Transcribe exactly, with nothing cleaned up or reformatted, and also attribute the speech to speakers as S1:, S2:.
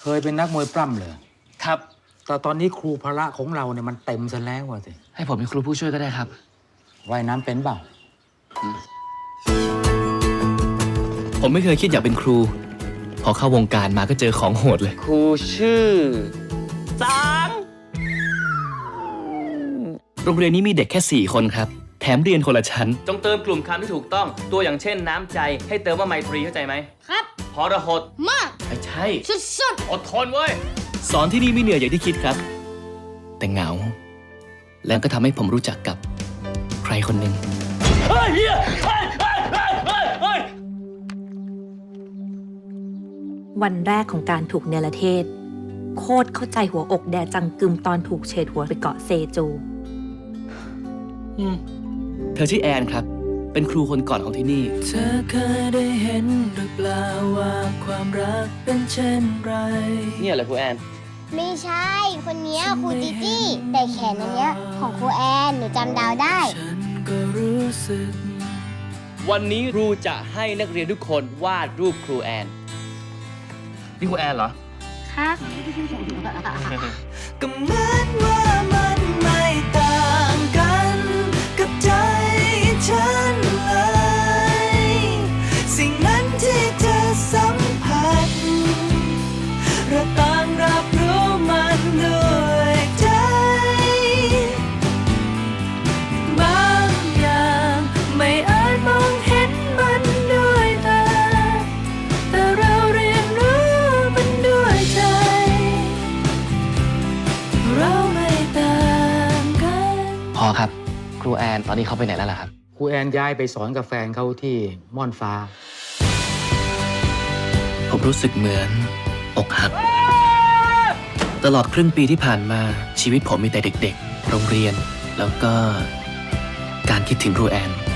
S1: เคยเป็นนักมวยปล้ำเลย
S2: ครับ
S1: แต่ตอนนี้ครูพละของเราเนี่ยมันเต็มซะแล้วว่ะสิ
S2: ให้ผมเป็นครูผู้ช่วยก็ได้ครับ
S1: ว่ายน้ำเป็นเปล่า
S2: ผมไม่เคยคิดอยากเป็นครู พอเข้าวงการมาก็เจอของโหดเลย ครูชื่อสังโรงเรียนนี้มีเด็กแค่สี่คนครับ แถมเรียนคนละชั้น จงเติมกลุ่มคำที่ถูกต้อง ตัวอย่างเช่นน้ำใจ ให้เติมว่าไมตรีเข้าใจไหม
S3: ครับ
S2: พรหด
S3: มาก
S2: ไม่ใช่
S3: สุด
S2: อดทนเว้ย สอนที่นี่ไม่เหนื่อยอย่างที่คิดครับ แต่เหงา แล้วก็ทำให้ผมรู้จักกับใครคนหนึ่งเฮ้ยเฮียเฮ้ยเฮ้ยเฮ้ยเฮ้ยเฮ้ย
S4: วันแรกของการถูกเนรเทศ โคตรเข้าใจหัวอกแดจังกึมตอนถูกเฉดหัวไปเกาะเซจู
S2: เธอชื่อแอนครับ เป็นครูคนก่อนของที่นี่
S5: เธอเคยได้เห็นหรือเปล่าว่าความรักเป็นเช่นไร
S2: เนี่ยแหละครูแอน
S3: ๆ ไม่ใช่ คนเนี้ยครูจิจี้ แต่แขนอันเนี้ยของครูแอนหนูจำดาวได้
S5: ฉันก็รู้สึก
S2: วันนี้ครูจะให้นักเรียนทุกคนวาดรูปครูแอน นี่ครูแอนเหรอ
S3: ครับ
S5: ก็เหมือนว่ามันไม่ต่างกันกับใจฉันเลย สิ่งนั้นที่เธอสัมผัสเราต่างรับรู้มันด้วยใจบางอย่างไม่อาจมองเห็นมันด้วยตาแต่เราเรียนรู้มันด้วยใจเราไม่ต่างกัน
S2: พอครับ ครูแอนตอนนี้เขาไปไหนแล้วล่ะครับ
S1: ครูแอนย้ายไปสอนกับแฟนเขาที่ม่อนฟ้า
S2: ผมรู้สึกเหมือนอกหัก ตลอดครึ่งปีที่ผ่านมาชีวิตผมมีแต่เด็กๆ โรงเรียน แล้วก็การคิดถึงครูแอน